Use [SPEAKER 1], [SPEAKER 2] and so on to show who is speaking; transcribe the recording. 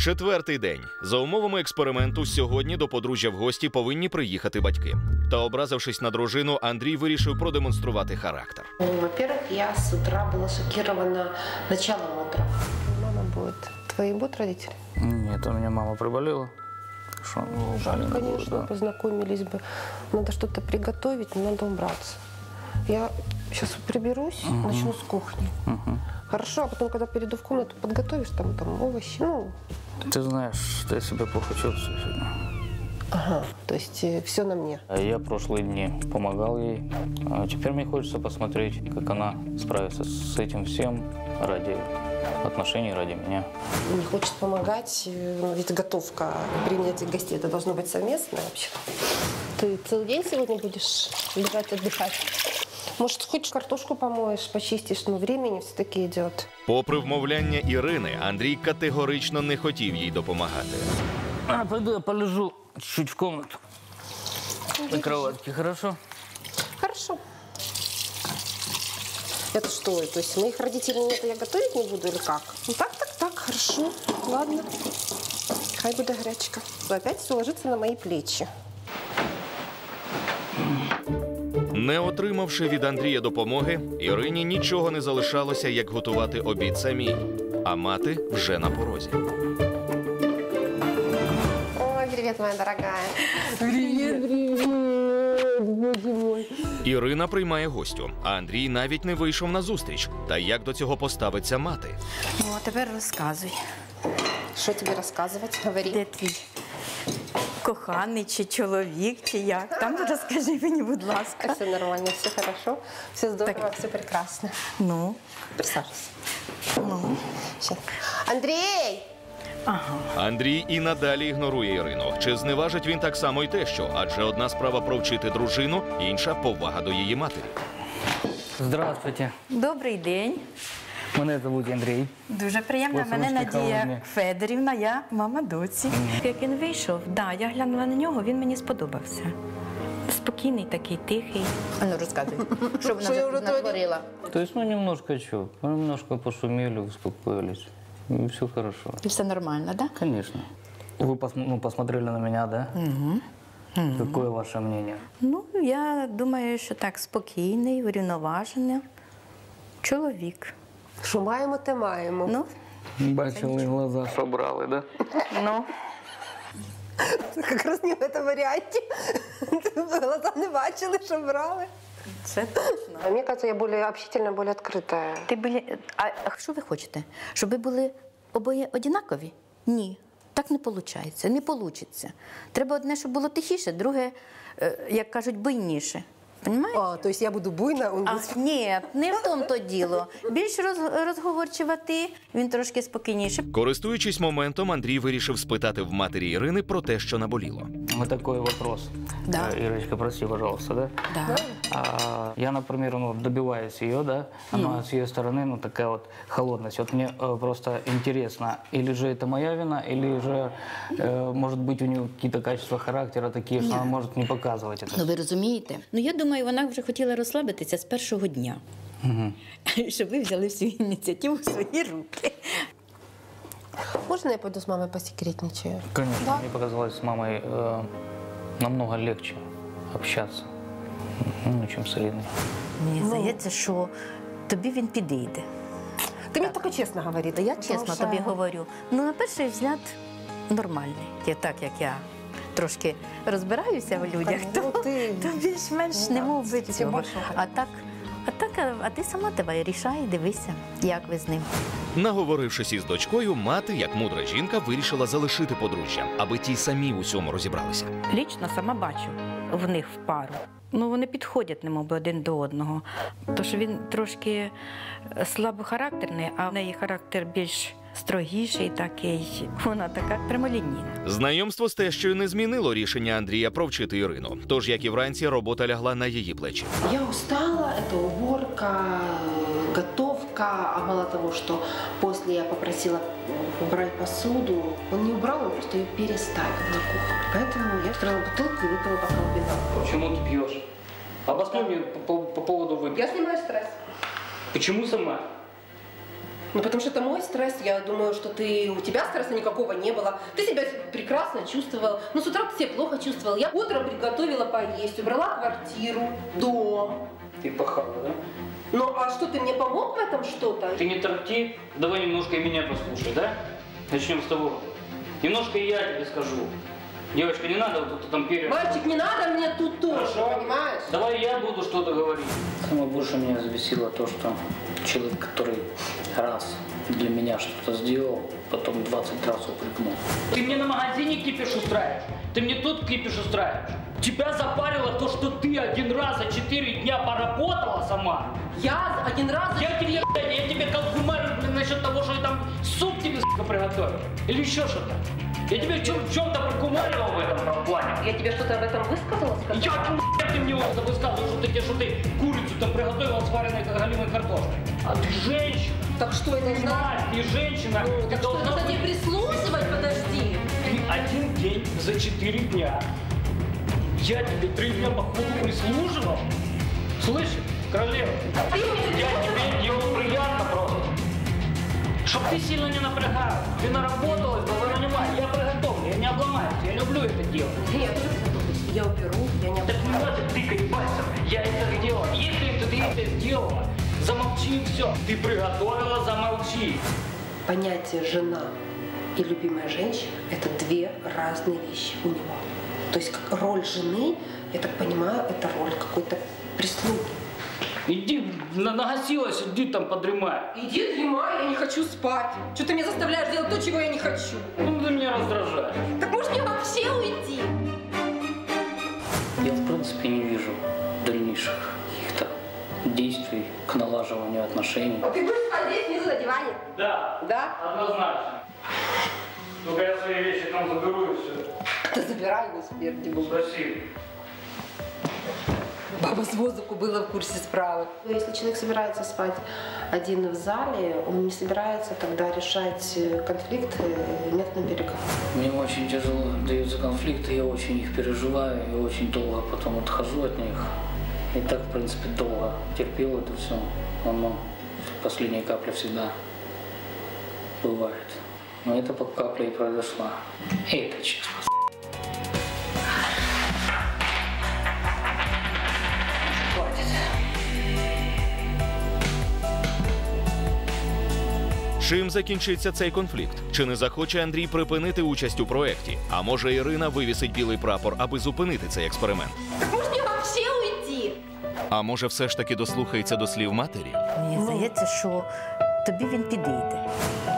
[SPEAKER 1] Четвертий день. За умовами експерименту сьогодні до подружжя в гості повинні приїхати батьки. Та образившись на дружину, Андрій вирішив продемонструвати характер.
[SPEAKER 2] Во-первых, я с утра была шокирована началом утра.
[SPEAKER 3] Мама будет. Твои будут родители?
[SPEAKER 4] Нет, у меня мама приболела. Что,
[SPEAKER 3] Жаль,
[SPEAKER 4] не
[SPEAKER 3] конечно,
[SPEAKER 4] будет, да.
[SPEAKER 3] познакомились бы. Надо что-то приготовить, но надо убраться. Я сейчас приберусь, начну с кухни. Хорошо, а потом, когда перейду в комнату, подготовишь там овощи, ну...
[SPEAKER 4] Ты знаешь, что я себя плохо чувствую сегодня.
[SPEAKER 3] Ага, то есть все на мне.
[SPEAKER 4] Я прошлые дни помогал ей, а теперь мне хочется посмотреть, как она справится с этим всем ради отношений, ради меня.
[SPEAKER 3] Не хочет помогать, ведь готовка и принятие гостей, это должно быть совместное вообще. Ты целый день сегодня будешь лежать, отдыхать? Может, хоть картошку помоешь, почистишь, но времени все-таки идет.
[SPEAKER 1] Попри вмовляння Ірини, Андрій категорично не хотів їй допомагати.
[SPEAKER 4] Пойду я полежу чуть-чуть в комнату. На кроватке, хорошо?
[SPEAKER 3] Хорошо. Это что? То есть моих родителей нет, я готовить не буду или как? Ну так, хорошо. Ладно. Хай буде гречка. Опять все ложится на мои плечи.
[SPEAKER 1] Не отримавши від Андрія допомоги, Ірині нічого не залишалося, як готувати обід самій. А мати вже на порозі.
[SPEAKER 3] Ой, привет, моя дорогая. Привет, боже мой.
[SPEAKER 1] Ірина приймає гостю, а Андрій навіть не вийшов на зустріч. Та як до цього поставиться мати?
[SPEAKER 5] Ну, а тепер розказуй.
[SPEAKER 3] Что тебе рассказывать? Говори.
[SPEAKER 5] Де твій коханий, чи чоловік, чи як? Там розкажи мені, будь ласка.
[SPEAKER 3] Все нормально, все хорошо, все здорово,
[SPEAKER 5] Так.
[SPEAKER 3] все прекрасно.
[SPEAKER 5] Ну,
[SPEAKER 3] Присаживайся.
[SPEAKER 5] ну.
[SPEAKER 3] Сейчас. Андрей!
[SPEAKER 5] Ага.
[SPEAKER 1] Андрій і надалі ігнорує Ірину. Чи зневажить він так само й тещу? Адже одна справа провчити дружину, інша – повага до її матері.
[SPEAKER 4] Здравствуйте.
[SPEAKER 5] Добрий день.
[SPEAKER 4] Мене звуть Андрій.
[SPEAKER 5] Дуже приємно.
[SPEAKER 4] Ось
[SPEAKER 5] Мене
[SPEAKER 4] ручки холодні.
[SPEAKER 5] Надія Федорівна, я мама доці. Як він вийшов, я глянула на нього, він мені сподобався. Спокійний такий, тихий. А ну розказуй, що вона натворила?
[SPEAKER 4] То есть, немножко что? Немножко пошумели, успокоились. И все хорошо.
[SPEAKER 5] І все нормально, так?
[SPEAKER 4] Конечно. Вы посмотрели на меня, да? Какое ваше мнение?
[SPEAKER 5] Ну, я думаю, що так, спокійний, урівноважений чоловік.
[SPEAKER 3] Що маємо, те маємо.
[SPEAKER 5] Ну,
[SPEAKER 4] Бачили глаза, що брали, да?
[SPEAKER 5] ну.
[SPEAKER 3] Как раз не в этом варианте. Глаза не бачили, що брали.
[SPEAKER 5] Це точно.
[SPEAKER 3] А мне кажется, я более общительная, более открытая.
[SPEAKER 5] А що ви хочете? Щоб ви були обоє однакові? Ні. Так не виходить. Не вийде. Треба одне, щоб було тихіше, друге, як кажуть, буйніше. Понімаєте?
[SPEAKER 3] А, то есть я буду буйна, он
[SPEAKER 5] А,
[SPEAKER 3] будет...
[SPEAKER 5] ні, не в тому то діло. Більш розговорчива ти, він трошки спокійніше.
[SPEAKER 1] Користуючись моментом, Андрій вирішив спитати в матері Ірини про те, що наболіло.
[SPEAKER 4] Вот такой вопрос.
[SPEAKER 5] Да.
[SPEAKER 4] Ирочка, прости, пожалуйста, да?
[SPEAKER 5] Да.
[SPEAKER 4] Я, например, добиваюсь ее, да? Она с ее стороны, такая вот холодность. Вот мне просто интересно, или же это моя вина, или же, может быть, у нее какие-то качества характера такие, что она может не показывать это.
[SPEAKER 5] Ну, ви розумієте? Ну, я думаю, вона вже хотіла розслабитися з першого дня. Щоб ви взяли всю ініціативу в свої руки.
[SPEAKER 3] Можно я пойду с мамой посекретничаю?
[SPEAKER 4] Конечно, мне показалось с мамой намного легче общаться, чем с Ириной.
[SPEAKER 5] Мені здається, що тобі він підійде.
[SPEAKER 3] Ты мне только честно говори.
[SPEAKER 5] Я чесно тобі говорю. Ну, на перший взгляд, нормальний. Так, як я трошки розбираюся в людях, то більш-менш не мов би цього. А ти сама тебе рішай, дивися, як ви з ним.
[SPEAKER 1] Наговорившись із дочкою, мати, як мудра жінка, вирішила залишити подружжя, аби ті самі в усьому розібралися.
[SPEAKER 5] Лічно сама бачу в них в пару. Ну, вони підходять, немов один до одного. Тож він трошки слабохарактерний, а в неї характер більш строгіший такий. Вона така прямолінійна.
[SPEAKER 1] Знайомство з тещою не змінило рішення Андрія провчити Ірину. Тож, як і вранці, робота лягла на її плечі.
[SPEAKER 2] Я устала, это уборка, готовка, а мало того, что после я попросила убрать посуду, он не убрал, он просто ее переставил на кухню. Поэтому я открыла бутылку и выпила бокал вина.
[SPEAKER 4] Почему ты пьешь? Обоснуй мне по поводу выпивки.
[SPEAKER 3] Я снимаю стресс.
[SPEAKER 4] Почему сама?
[SPEAKER 2] Ну, потому что это мой стресс. Я думаю, что у тебя стресса никакого не было. Ты себя прекрасно чувствовал. Ну, с утра ты себя плохо чувствовал. Я утром приготовила поесть, убрала квартиру, дом.
[SPEAKER 4] Ты пахала, да?
[SPEAKER 2] Ну, а что, ты мне помог в этом что-то?
[SPEAKER 4] Ты не торти, давай немножко и меня послушай, да? Начнем с того. Немножко и я тебе скажу. Девочка, не надо вот тут там
[SPEAKER 2] Мальчик, не надо мне тут тоже, понимаешь?
[SPEAKER 4] Давай я буду что-то говорить. Самое больше меня взбесило то, что человек, который раз для меня что-то сделал, потом 20 раз упрекнул. Ты мне на магазине кипиш устраиваешь, ты мне тут кипиш устраиваешь. Тебя запарило то, что ты один раз за 4 дня поработала сама.
[SPEAKER 2] Я один раз...
[SPEAKER 4] Я тебе колкумарю насчет того, что я там суп тебе, сука, приготовил. Или еще что-то. Я тебе в чем-то прокумаривал в этом плане.
[SPEAKER 2] Я тебе что-то об этом высказала?
[SPEAKER 4] Ты мне это высказывал, что ты курицу там приготовила с вареной галимой картошкой. А ты женщина.
[SPEAKER 2] Так что я должна...
[SPEAKER 4] Ты женщина.
[SPEAKER 2] Ну, так что, надо тебе прислушивать, подожди.
[SPEAKER 4] Ты один день за 4 дня. Я тебе 3 дня по ходу прислуживал. Слышишь, королева? Я тебе делал приятно просто. Чтоб ты сильно не напрягалась. Ты наработалась, давай нанимай. Я приготовлю, я не обломаюсь. Я люблю это делать.
[SPEAKER 2] Нет, я уберу, я не
[SPEAKER 4] Так не надо тыкать пальцем. Я это сделала. Если ты это сделала, замолчи и все. Ты приготовила, замолчи.
[SPEAKER 2] Понятие «жена» и «любимая женщина» – это две разные вещи у него. То есть роль жены, я так понимаю, это роль какой-то прислуги.
[SPEAKER 4] Иди, нагасилась, иди там подремай.
[SPEAKER 2] Иди дремай, я не хочу спать. Что ты меня заставляешь делать то, чего я не хочу?
[SPEAKER 4] Ну, ты меня раздражаешь.
[SPEAKER 2] Так может мне вообще уйти?
[SPEAKER 4] Я, в принципе, не вижу дальнейших каких-то действий к налаживанию отношений.
[SPEAKER 2] А ты будешь спать внизу на диване?
[SPEAKER 4] Да.
[SPEAKER 2] Да?
[SPEAKER 4] Однозначно. Только я свои вещи там заберу и все.
[SPEAKER 2] Да забирай, господи, Бог.
[SPEAKER 4] Спасибо.
[SPEAKER 2] Баба с воздуху была в курсе справок. Если человек собирается спать один в зале, он не собирается тогда решать конфликт методом переговоров.
[SPEAKER 4] Мне очень тяжело даются конфликты, я очень их переживаю и очень долго потом отхожу от них. И так, в принципе, долго терпел это все. Оно, последняя капля всегда бывает. Но это по капле и произошла. И это честно.
[SPEAKER 1] Чим закінчиться цей конфлікт? Чи не захоче Андрій припинити участь у проєкті? А може Ірина вивісить білий прапор, аби зупинити цей експеримент?
[SPEAKER 2] Так може мені вообще уйти?
[SPEAKER 1] А може все ж таки дослухається до слів матері?
[SPEAKER 5] Мені здається, що тобі він підійде.